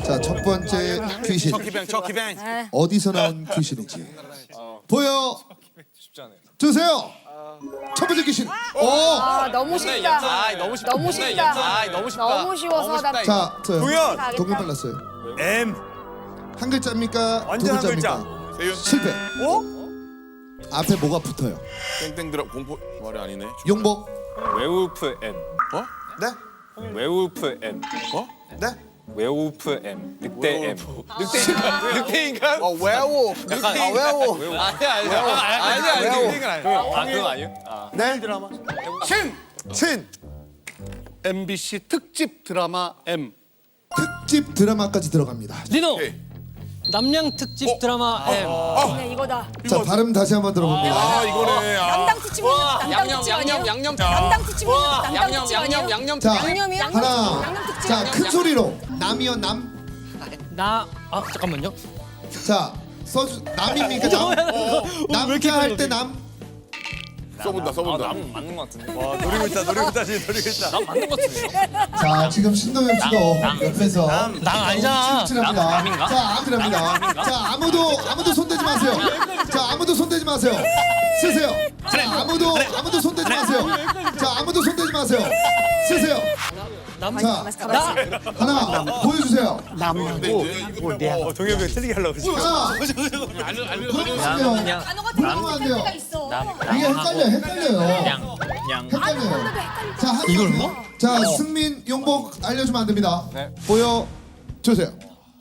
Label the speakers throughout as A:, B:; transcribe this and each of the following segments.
A: 자, 첫 번째 귀신.
B: 척키뱅.
A: 어디서 나온 귀신인지 보여 주세요. 첫 번째 귀신.
C: 아 너무 쉽다.
B: 너무 쉽다.
C: 너무 쉽다.
B: 너무 쉽다.
C: 너무 쉬워서 나.
A: 자, 저요.
D: 동현.
A: 동현 빨랐어요.
D: M.
A: 한 글자입니까? 두
D: 완전 한
A: 글자입니까?
E: 세윤
A: 실패.
D: 어?
A: 앞에 뭐가 붙어요?
E: 땡땡 들어 공포 말이 아니네.
A: 용복.
F: 웨우프 M.
E: 어?
A: 네?
F: 웨우프 M.
E: 어?
A: 네?
F: 웨우프 M. 늑대 M.
B: 늑대인간?
G: 외워. 외워.
B: 아니야.
F: 아 그건 아니에요?
A: 네? 신.
G: MBC 특집 드라마 M.
A: 특집 드라마까지 들어갑니다.
H: 리노
E: 오케이.
H: 남양 특집 드라마 M.
C: 네, 이거다.
A: 자, 발음 다시 한번 들어봅니다.
E: 아 이거네.
C: 담당 특집 담당 특집 아니에요?
B: 양념.
C: 담당 특집 담당 특집 아니에요?
B: 양념.
A: 자,
C: 양념이요?
A: 하나.
C: 양념 특집.
A: 자, 큰 소리로. 남이요, 남.
H: 잠깐만요.
A: 자, 써주 남입니까? 남. 남자 할 때 남.
E: 써본다.
F: 남 맞는 것 같은데.
D: 와 노리고 있다 지금 노리고 있다.
F: 남 맞는 것 같은데요?
A: 자, 지금 신동엽 씨도 옆에서
H: 남 아니잖아.
A: 칠칠합니다. 자, 아무랍니다. 자, 아무도 손대지 마세요. 자, 아무도 손대지 마세요. 쓰세요. 자, 아무도 손대지 마세요. 자, 아무도 손대지 마세요. 쓰세요. 자, 하나 보여주세요.
D: 동엽이 틀리게 하려고 그러지.
A: 하나. 그러면
C: 단어가
A: 안 돼요.
C: 때가 있어.
A: 이게 헷갈려요. 헷갈려요. 자, 이걸 뭐? 자, 승민 용복 알려주면 안 됩니다. 보여 주세요.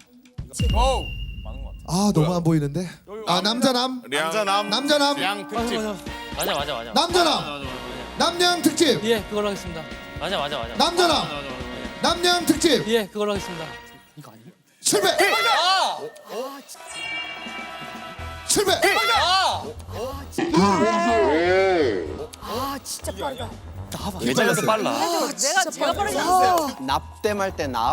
A: 아, 너무 안 보이는데. 아, 남자남. 남자남.
E: 양 특집.
H: 맞아.
A: 남자남. 남양 특집.
H: 예, 그걸로 하겠습니다. 맞아.
A: 남자남. 남양 특집.
H: 예, 그걸로 하겠습니다. 이거 아니에요?
A: 실패. 실패.
C: 아 진짜 빠르다.
H: 예전에도 빨라.
C: 제가 빠르다.
G: 납땜할 때 납.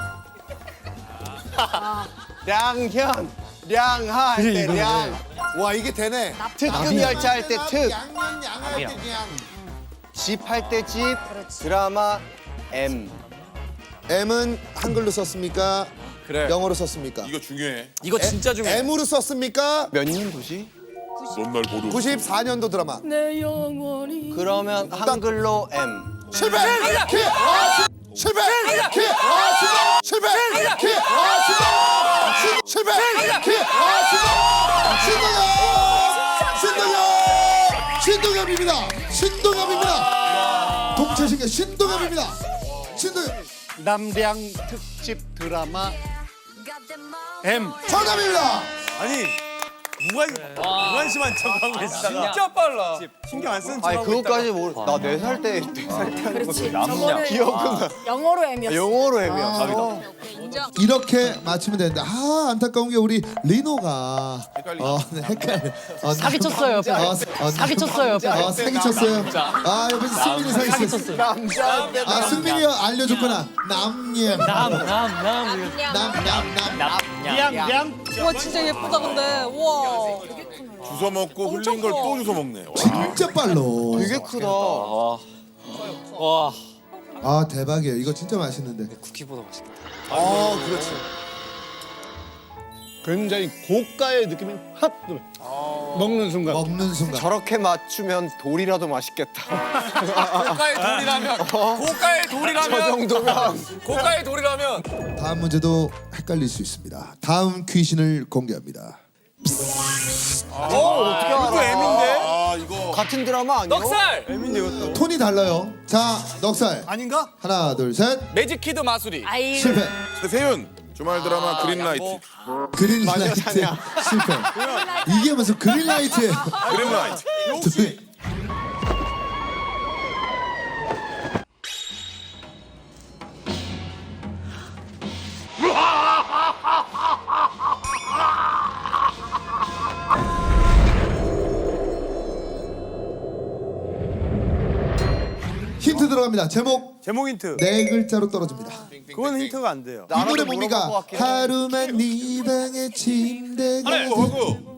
G: 량현. 량하 할 때 량.
A: 와, 이게 되네.
G: 특급 열차 할 때 특.
A: 양할 때 양.
G: 집 할 때 집. 드라마 M.
A: M은 한글로 썼습니까?
B: 그래.
A: 영어로 썼습니까?
E: 이거 중요해.
B: 이거 진짜 중요해.
A: M으로 썼습니까?
G: 몇 년도지?
E: 넌 날 모르.
A: 94년도 드라마.
G: 그러면 한글로 M.
A: 실패! 키! 실패! 키! 실패! 키! 실패! 키! 신동엽입니다. 동체신계 신동엽입니다. 신동엽.
G: 남량 특집 드라마 M.
A: 정답입니다.
D: 아니 무관심한 척하고 있다가
B: 진짜 빨라.
D: 신경 안 쓰는
G: 아니
D: 척하고
G: 그것까지 모르. 나 4살 때 하는 거지.
C: 저거는
G: 기억은
C: 영어로 M이었어.
G: 영어로 M이야.
A: 이렇게 맞추면 되는데 안타까운 게 우리 리노가 헷갈려.
H: 사기 쳤어요, 옆에서. 사기 쳤어요, 옆에서.
A: 사기 쳤어요. 아, 옆에서 승민이 사기 쳤어요.
G: 남자한테
A: 아, 승민이 알려줬구나. 남님.
G: 량.
H: 와, 진짜 예쁘다, 근데. 우와.
E: 주워 먹고 흘린 걸 또 주워 먹네. 와.
A: 진짜 빨로.
G: 되게 크다.
F: 와
A: 아, 대박이에요. 이거 진짜 맛있는데.
F: 쿠키보다 맛있겠다.
A: 아, 그렇지.
G: 굉장히 고가의 느낌이 확 들어. 먹는 순간.
A: 먹는 순간.
G: 저렇게 맞추면 돌이라도 맛있겠다.
B: 고가의 돌이라면.
G: 저 정도면.
B: 고가의 돌이라면.
A: 다음 문제도 헷갈릴 수 있습니다. 다음 귀신을 공개합니다.
G: 어떻게 알아?
D: M인데?
E: 아 이거.
G: 같은 드라마 아니야?
B: 넉살.
D: M인데 이것도.
A: 톤이 달라요. 자, 넉살.
D: 아닌가?
A: 하나, 둘, 셋.
B: 매직 키드 마수리.
C: 아이
A: 실패.
E: 세윤 주말 드라마 그린라이트.
A: 그린라이트. 실패. 이게 무슨 그린라이트예요.
E: 그린라이트.
A: 힌트 들어갑니다. 제목
D: 제목 힌트.
A: 네 글자로 떨어집니다.
D: 그건 힌트가 안 돼요.
A: 이 노래 뭡니까? 하루만 네 방에 침대가
E: 하고.